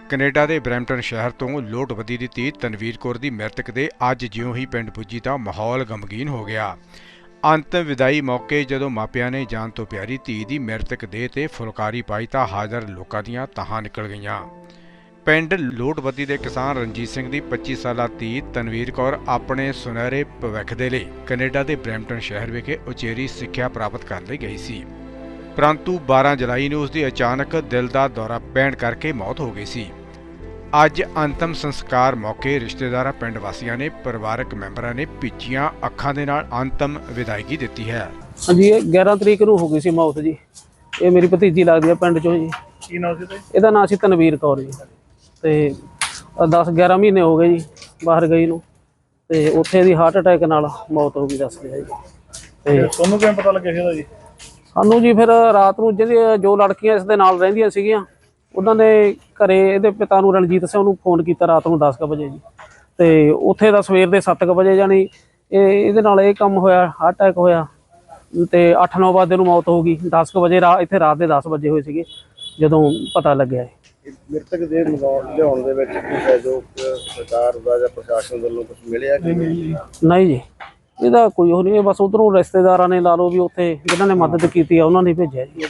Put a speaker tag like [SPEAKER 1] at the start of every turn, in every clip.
[SPEAKER 1] Canada ਦੇ Brampton ਸ਼ਹਿਰ ਤੋਂ ਲੋਟਵੱਦੀ ਦੀ ਧੀ ਤਨਵੀਰ ਕੌਰ ਦੀ ਮ੍ਰਿਤਕ ਦੇ ਅੱਜ ਜਿਉਂ ਹੀ ਪਿੰਡ ਪੁੱਜੀ ਤਾਂ ਮਾਹੌਲ ਗਮਗੀਨ ਹੋ ਗਿਆ। ਅੰਤਿਮ ਵਿਦਾਈ ਮੌਕੇ ਜਦੋਂ ਮਾਪਿਆਂ ਨੇ ਜਾਨ ਤੋਂ ਪਿਆਰੀ ਧੀ ਦੀ ਮ੍ਰਿਤਕ ਦੇਹ ਤੇ ਫੁਲਕਾਰੀ ਪਾਈ ਤਾਂ ਹਾਜ਼ਰ ਲੋਕਾਂ ਦੀਆਂ ਤਾਹਾਂ ਨਿਕਲ ਗਈਆਂ। ਪਿੰਡ ਲੋਟਵੱਦੀ ਦੇ ਕਿਸਾਨ ਰਣਜੀਤ ਸਿੰਘ ਦੀ 25 ਸਾਲਾ ਧੀ ਤਨਵੀਰ ਕੌਰ ਆਪਣੇ ਸੁਨਹਿਰੇ ਭਵਿੱਖ ਦੇ ਲਈ ਕੈਨੇਡਾ ਦੇ ਬਰੈਂਪਟਨ ਸ਼ਹਿਰ ਵਿਖੇ ਉਚੇਰੀ ਸਿੱਖਿਆ ਪ੍ਰਾਪਤ ਕਰਨ ਲਈ ਗਈ ਸੀ, परंतु 12 जुलाई ਨੂੰ ਉਸ ਦੀ ਅਚਾਨਕ ਦਿਲ ਦਾ ਦੌਰਾ ਪੈਣ ਕਰਕੇ ਮੌਤ ਹੋ ਗਈ ਸੀ। ਅੱਜ ਅੰਤਮ ਸੰਸਕਾਰ ਮੌਕੇ ਰਿਸ਼ਤੇਦਾਰਾਂ, ਪਿੰਡ ਵਾਸੀਆਂ ਨੇ ਪਰਿਵਾਰਕ ਮੈਂਬਰਾਂ ਨੇ ਭਿੱਜੀਆਂ ਅੱਖਾਂ ਦੇ ਨਾਲ ਅੰਤਮ ਵਿਦਾਇਗੀ ਦਿੱਤੀ ਹੈ।
[SPEAKER 2] ਹਾਂਜੀ, 11 ਤਰੀਕ ਨੂੰ ਹੋ ਗਈ ਸੀ ਮੌਤ ਜੀ। ਇਹ ਮੇਰੀ ਭਤੀਜੀ ਲੱਗਦੀ ਹੈ ਪਿੰਡ ਚੋਂ ਜੀ।
[SPEAKER 3] ਕੀ ਨਾਮ ਸੀ
[SPEAKER 2] ਇਹਦਾ ਨਾਮ ਸੀ ਤਨਵੀਰ ਕੌਰ ਜੀ। ਤੇ 10-11 ਮਹੀਨੇ ਹੋ ਗਏ ਜੀ ਬਾਹਰ ਗਈ ਨੂੰ, ਤੇ ਉੱਥੇ ਦੀ ਹਾਰਟ ਅਟੈਕ ਨਾਲ ਮੌਤ ਹੋ ਗਈ ਦੱਸਦੇ ਆ ਜੀ। ਤੇ
[SPEAKER 3] ਤੁਹਾਨੂੰ ਕਿਵੇਂ ਪਤਾ ਲੱਗਿਆ ਸੀ ਇਹਦਾ ਜੀ?
[SPEAKER 2] ਸਾਨੂੰ ਜੀ ਫਿਰ ਰਾਤ ਨੂੰ ਜੋ ਲੜਕੀਆਂ ਇਸ ਦੇ ਨਾਲ ਰਹਿੰਦੀਆਂ ਸੀਗੀਆਂ ਉਹਨਾਂ ਨੇ ਘਰੇ ਇਹਦੇ ਪਿਤਾ ਨੂੰ ਰਣਜੀਤ ਸਿੰਘ ਨੂੰ ਫੋਨ ਕੀਤਾ ਰਾਤ ਨੂੰ 10 ਵਜੇ ਜੀ। ਤੇ ਉੱਥੇ ਦਾ ਸਵੇਰ ਦੇ 7 ਵਜੇ ਜਾਣੀ ਇਹਦੇ ਨਾਲ ਇਹ ਕੰਮ ਹੋਇਆ, ਹਾਰਟ ਅਟੈਕ ਹੋਇਆ। ਤੇ 8-9 ਵਜੇ ਨੂੰ ਮੌਤ ਹੋ ਗਈ। 10 ਵਜੇ ਇੱਥੇ ਰਾਤ ਦੇ 10 ਵਜੇ ਹੋਏ ਸੀਗੇ ਜਦੋਂ ਪਤਾ ਲੱਗਿਆ।
[SPEAKER 3] ਮ੍ਰਿਤਕ ਦੇ ਲਿਆਉਣ ਦੇ ਵਿੱਚ ਕੋਈ ਸਹਿਯੋਗ ਸਰਕਾਰ ਦਾ ਜਾਂ ਪ੍ਰਸ਼ਾਸਨ ਵੱਲੋਂ ਕੁਝ ਮਿਲਿਆ ਕਿ
[SPEAKER 2] ਨਹੀਂ ਜੀ, ਇਹਦਾ ਕੋਈ ਉਹ ਨਹੀਂ। ਬਸ ਉਧਰੋਂ ਰਿਸ਼ਤੇਦਾਰਾਂ ਨੇ ਲਾ ਲਓ ਵੀ ਉੱਥੇ ਜਿਨ੍ਹਾਂ ਨੇ ਮਦਦ ਕੀਤੀ ਆ ਉਹਨਾਂ ਨੇ ਭੇਜਿਆ ਜੀ।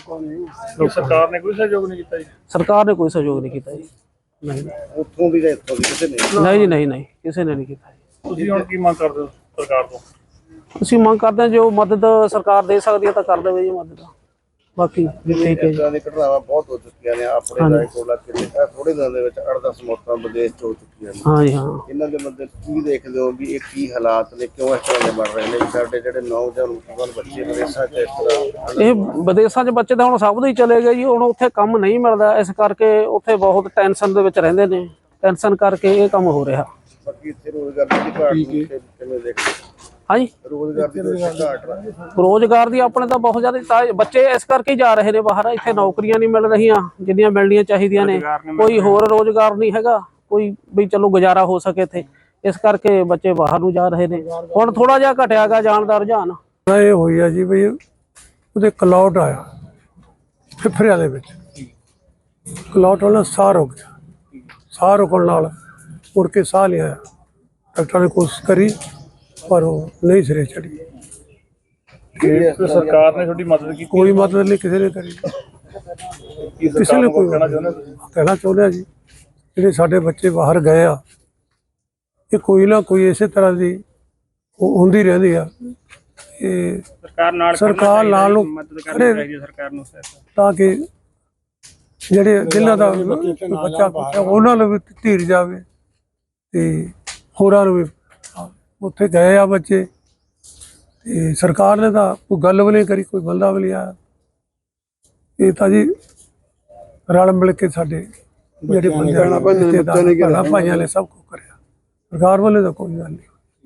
[SPEAKER 3] ਸਰਕਾਰ ਨੇ ਕੋਈ ਸਹਿਯੋਗ ਨਹੀਂ ਕੀਤਾ ਜੀ?
[SPEAKER 2] ਸਰਕਾਰ ਨੇ ਕੋਈ ਸਹਿਯੋਗ ਨਹੀਂ ਕੀਤਾ ਜੀ। ਨਹੀਂ,
[SPEAKER 3] ਉੱਥੋਂ ਦੀ ਜਾਂ ਇੱਥੋਂ ਦੀ ਕਿਸੇ ਨੇ?
[SPEAKER 2] ਨਹੀਂ ਜੀ, ਨਹੀਂ ਕਿਸੇ ਨੇ ਨਹੀਂ ਕੀਤਾ ਜੀ।
[SPEAKER 3] ਤੁਸੀਂ ਹੁਣ ਕੀ ਮੰਗ ਕਰਦੇ ਹੋ ਸਰਕਾਰ ਤੋਂ?
[SPEAKER 2] ਅਸੀਂ ਮੰਗ ਕਰਦੇ ਹਾਂ ਜੋ ਮਦਦ ਸਰਕਾਰ ਦੇ ਸਕਦੀ ਹੈ ਤਾਂ ਕਰ ਦੇਵੇ ਜੀ ਮਦਦ। ਬਾਕੀ ਠੀਕ ਹੈ ਜੀ।
[SPEAKER 3] ਇਦਾਂ ਦੀ ਘਟਨਾਵਾਂ ਬਹੁਤ ਹੋ ਚੁੱਕੀਆਂ ਨੇ ਆਪਣੇ ਰਾਏਕੋਲਾ ਕਿਲੇ ਥੋੜੇ ਦਿਨਾਂ ਦੇ ਵਿੱਚ 8-10 ਮੌਤਾਂ ਵਿਦੇਸ਼ ਤੋਂ ਹੋ ਚੁੱਕੀਆਂ ਨੇ।
[SPEAKER 2] ਹਾਂ ਜੀ, ਹਾਂ।
[SPEAKER 3] ਇਹਨਾਂ ਦੇ ਮੱਦੇ ਕੀ ਦੇਖਦੇ ਹੋ ਵੀ ਇਹ ਕੀ ਹਾਲਾਤ ਨੇ, ਕਿਉਂ ਇਸ ਤਰ੍ਹਾਂ ਦੇ ਬਣ ਰਹੇ ਨੇ? ਸਾਡੇ ਜਿਹੜੇ ਨੌਜਵਾਨ ਬੱਚੇ ਵਿਦੇਸ਼ਾਂ 'ਚ ਇਸ ਤਰ੍ਹਾਂ,
[SPEAKER 2] ਇਹ ਵਿਦੇਸ਼ਾਂ 'ਚ ਬੱਚੇ ਤਾਂ ਹੁਣ ਸਭ ਦੇ ਹੀ ਚਲੇ ਗਏ ਜੀ। ਹੁਣ ਉੱਥੇ ਕੰਮ ਨਹੀਂ ਮਿਲਦਾ, ਇਸ ਕਰਕੇ ਉੱਥੇ ਬਹੁਤ ਟੈਨਸ਼ਨ ਦੇ ਵਿੱਚ ਰਹਿੰਦੇ ਨੇ। ਟੈਨਸ਼ਨ ਕਰਕੇ ਇਹ ਕੰਮ ਹੋ ਰਿਹਾ।
[SPEAKER 3] ਬਾਕੀ ਇੱਥੇ ਰੋਜ਼ਗਾਰ ਦੀ ਘਾਟ ਕਿਵੇਂ ਦੇਖਦੇ?
[SPEAKER 2] ਹਾਂਜੀ, ਰੋਜ਼ਗਾਰ ਦੀ ਆਪਣੇ ਤਾਂ ਬਹੁਤ ਜ਼ਿਆਦਾ ਬੱਚੇ ਇਸ ਕਰਕੇ ਜਾ ਰਹੇ ਨੇ ਬਾਹਰ। ਇੱਥੇ ਨੌਕਰੀਆਂ ਨਹੀਂ ਮਿਲ ਰਹੀਆਂ ਜਿੰਨੀਆਂ ਮਿਲਣੀਆਂ ਚਾਹੀਦੀਆਂ ਨੇ। ਕੋਈ ਹੋਰ ਰੋਜ਼ਗਾਰ ਨਹੀਂ ਹੈਗਾ ਕੋਈ ਵੀ ਚਲੋ ਗੁਜ਼ਾਰਾ ਹੋ ਸਕੇ ਇੱਥੇ, ਇਸ ਕਰਕੇ ਬੱਚੇ ਬਾਹਰ ਨੂੰ ਜਾ ਰਹੇ ਨੇ। ਹੁਣ ਥੋੜਾ ਜਿਹਾ ਘਟਿਆ ਗਾ ਜਾਣ ਦਾ ਰੁਝਾਨ।
[SPEAKER 4] ਇਹ ਹੋਈ ਆ ਜੀ ਵੀ ਉਹਦੇ ਕਲੌਟ ਆਇਆ ਫਿਫਰਿਆਂ ਦੇ ਵਿੱਚ। ਕਲੌਟ ਵਾਲਾ ਸਾਹ ਰੁਕ ਗਿਆ। ਸਾਹ ਰੁਕਣ ਨਾਲ ਮੁੜ ਕੇ ਸਾਹ ਲਿਆ। ਡਾਕਟਰਾਂ ਨੇ ਕੋਸ਼ਿਸ਼ ਕਰੀ ਪਰ ਉਹ ਨਹੀਂ ਸਿਰੇ ਚੜੀ।
[SPEAKER 3] ਸਰਕਾਰ ਨੇ ਤੁਹਾਡੀ ਮਦਦ ਕੀਤੀ?
[SPEAKER 4] ਕੋਈ ਮਦਦ ਨਹੀਂ ਕਿਸੇ ਨੇ ਕਰੀ। ਕਿਸੇ ਨੇ ਕੋਈ ਕਹਿਣਾ ਚਾਹੁੰਦੇ ਆ ਜੀ ਜਿਹੜੇ ਸਾਡੇ ਬੱਚੇ ਬਾਹਰ ਗਏ ਆ, ਇਹ ਕੋਈ ਨਾ ਕੋਈ ਇਸੇ ਤਰ੍ਹਾਂ ਦੀ ਹੁੰਦੀ ਰਹਿੰਦੀ ਆ। ਇਹ ਸਰਕਾਰ ਨਾਲ ਨੂੰ
[SPEAKER 3] ਸਰਕਾਰ ਨੂੰ
[SPEAKER 4] ਤਾਂ ਕਿ ਜਿਹੜੇ ਜਿਨ੍ਹਾਂ ਦਾ ਬੱਚਾ ਉਹਨਾਂ ਨੂੰ ਵੀ ਧੀਰ ਜਾਵੇ ਤੇ ਹੋਰਾਂ ਨੂੰ ਵੀ। ਉੱਥੇ ਗਏ ਆ ਬੱਚੇ ਤੇ ਸਰਕਾਰ ਨੇ ਤਾਂ ਕੋਈ ਗੱਲ ਵੀ ਨਹੀਂ ਕਰੀ, ਕੋਈ ਬੰਦਾ ਵੀ ਨਹੀਂ ਆਇਆ। ਇਹ ਤਾਂ ਜੀ ਰਲ ਮਿਲ ਕੇ ਸਾਡੇ ਜਿਹੜੇ ਬੰਦੇ ਭਾਈਆਂ ਨੇ ਸਭ ਕੁਝ ਕਰਿਆ। ਸਰਕਾਰ ਵੱਲੋਂ ਤਾਂ ਕੋਈ ਗੱਲ ਨਹੀਂ।